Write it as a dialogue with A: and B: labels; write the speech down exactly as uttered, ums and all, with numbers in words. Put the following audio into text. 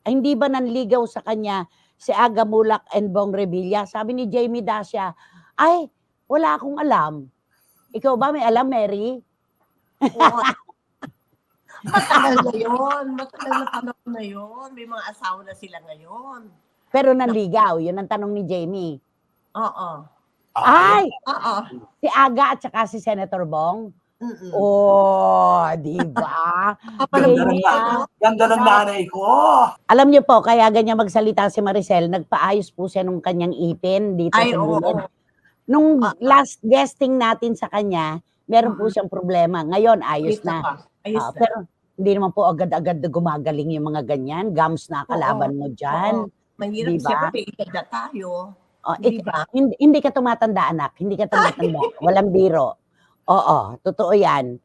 A: Ay, hindi ba nanligaw sa kanya si Aga Mulak and Bong Revilla? Sabi ni Jamie Dacia, "Ay, wala akong alam." Ikaw ba may alam, Mary?
B: Oo. Matagal na yun. Matagal na panahon na yun. May mga asawa na sila ngayon.
A: Pero nanligaw, yun ang tanong ni Jamie.
B: Oo.
A: Ay!
B: Oo.
A: Si Aga at saka si Senator Bong?
B: Mm.
A: Oh, di ba?
C: Ganda ng,
A: Jamie, ah.
C: ganda ng nanay ko.
A: Alam niyo po, kaya ganyan magsalita si Maricel, nagpaayos po siya nung kanyang ipin dito
B: Ay,
A: sa
B: oo.
A: gilid. Nung
B: Ah, ah.
A: last guesting natin sa kanya, meron po
B: Mm.
A: siyang problema. Ngayon, ayos
B: Ayos na
A: na.
B: pa. Ayos
A: Ah,
B: na.
A: pero hindi naman po agad-agad na gumagaling yung mga ganyan. Gums na kalaban mo dyan.
B: Oo. Mahirap,
A: Di ba?
B: siyempre, may edad na tayo.
A: Oh,
B: Di
A: ik-
B: ba?
A: hindi, hindi ka tumatanda, anak. Hindi ka tumatanda. Walang biro. Oo, totoo yan.